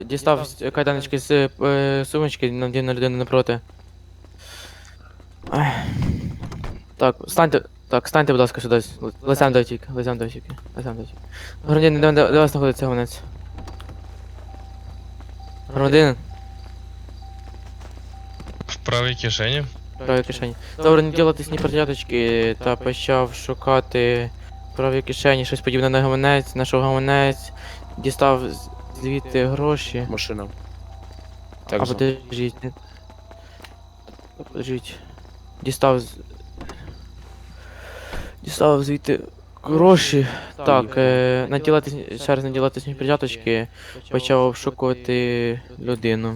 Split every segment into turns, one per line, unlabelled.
Дістав кайданочки з сумочки, надів на людину напроти. Ай. Так, станьте, будь ласка, сюди. Лицем до втік, лицем до втік. Громадянин, де вас знаходиться гонець? Громадянин,
В правій кишені.
в правій кишені. Добре, не ділати сні перчаточки та почав шукати в правій кишені щось подібне на гаманець, знайшов гаманець, дістав звідти гроші.
Машина.
А
Так, за.
подождіть. Подождіть. Дістав звідти гроші. Так, ще раз наділати сні перчаточки, почав обшукувати людину.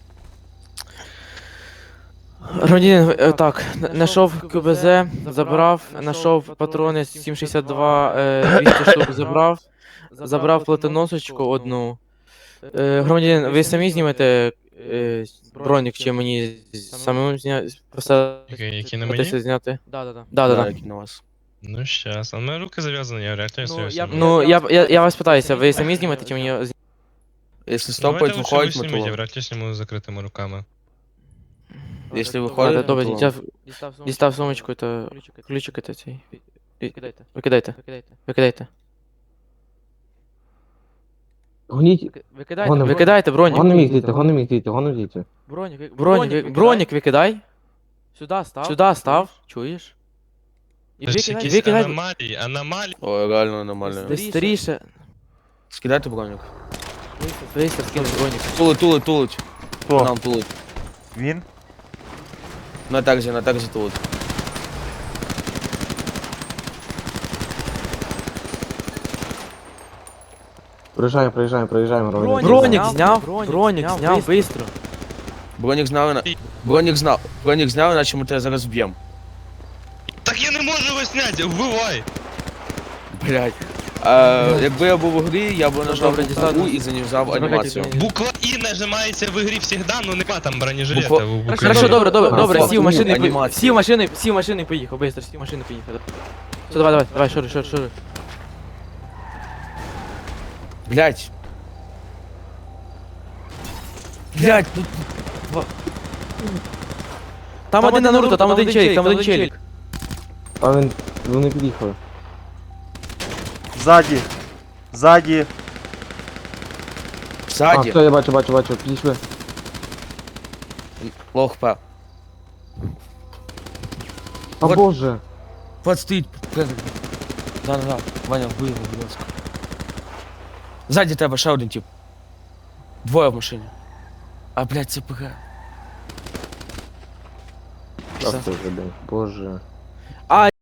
Громадянин, так, знайшов КБЗ, забрав, знайшов патрони з 7,62, 200 штук забрав платоносочку одну. Громадянин, ви самі знімете бронік, чи мені самим
Які на мені?
зняти?
Да,
Да.
які на вас.
Ну щас. А в мене руки зав'язані, я реально серйозно.
Ну, я вас питаюся, ви самі знімете, чи мені
Якщо
Давайте
стопають,
лучше
виходить,
ви
ми
зніміть, я
то.
вряд ли зніму з закритими руками.
Якщо виходить,
Добре,
то.
дістав сумочку, то ключики та цей. Викидайте.
Гоніть,
Викидайте бронік.
гоним їх звідти, гоним їх звідти, гоним звідти.
Бронік викидай. Сюди став. Чуєш? І
Це ж якісь
викидай.
аномалії.
Ой, реально нормально.
Десь старіше.
Скидайте бронік.
Вистав, скинув бронік.
Тулить.
Хто?
Нам тулить.
Він?
На такзі тулить.
Проїжджаємо, громадяни.
Бронік зняв, бистро.
Бронік знав, іначе ми тебе зараз вб'ємо.
Так я не можу його зняти, вбивай!
Блять. Якби я був у грі, я б нажав
Добре, дістав.
букву І занюзав анімацію.
Буква І нажимається в ігрі завжди, ну нема там бронежилета
Буква-
в букві.
Хорошо, добре,
Факт.
сів в машини,
Анімація.
сів в машини, поїхав, бистро, сів в машини, поїхав. Все, давай, шури.
Блять, тут
Там один на Наруто, там один челік.
А вони під'їхали.
Ззаді. Ззаді.
А,
ззаді.
все, я бачу, підійшли.
Лох П.
А
Вот.
боже.
Вот стоїть. Да. Ваня, вбий його, будь ласка. Ззаді тебе ще один тип. Двоє в машині. А, блядь, це ПГ.
А, це вже, блін, боже.